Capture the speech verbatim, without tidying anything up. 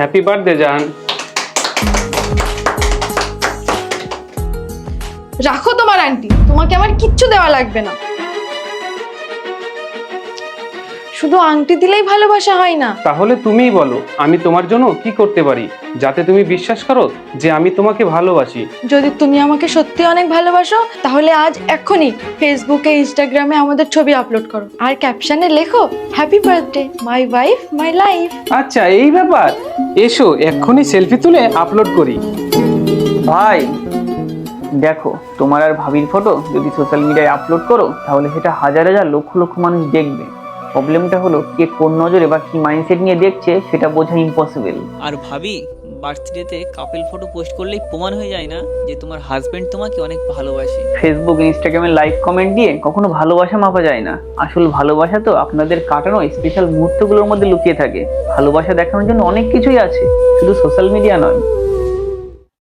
Happy birthday জান। রাখো তোমার আন্টি, তোমাকে আমার কিচ্ছু দেওয়া লাগবে না। শুধু আংটি দিলেই ভালোবাসা হয় না। তাহলে তুমিই বলো আমি তোমার জন্য কি করতে পারি যাতে তুমি বিশ্বাস করো যে আমি তোমাকে ভালোবাসি। যদি তুমি আমাকে সত্যি অনেক ভালোবাসো তাহলে আজ এক্ষুনি ফেসবুকে ইনস্টাগ্রামে আমাদের ছবি আপলোড করো আর ক্যাপশনে লেখো happy birthday my wife my life. আচ্ছা এই ব্যাপার, এসো এক্ষুনি সেলফি তুলে আপলোড করি। ভাই দেখো, তোমার আর ভাবির ফটো যদি সোশ্যাল মিডিয়ায় আপলোড করো তাহলে সেটা হাজার হাজার লক্ষ লক্ষ মানুষ দেখবে। প্রবলেমটা হলো কে কোন নজরে বা কি মাইন্ডসেট নিয়ে দেখছে সেটা বোঝা ইম্পসিবল। আর ভাবি, বার্থডেতে কাপল ফটো পোস্ট করলেই প্রমাণ হয়ে যায় না যে তোমার হাজবেন্ড তোমাকে অনেক ভালোবাসে? ফেসবুক ইনস্টাগ্রামে লাইক কমেন্ট দিয়ে কখনো ভালোবাসা মাপা যায় না। আসল ভালোবাসা তো আপনাদের কাটানো স্পেশাল মুহূর্তগুলোর মধ্যে লুকিয়ে থাকে। ভালোবাসা দেখানোর জন্য অনেক কিছুই আছে, শুধু সোশ্যাল মিডিয়া নয়।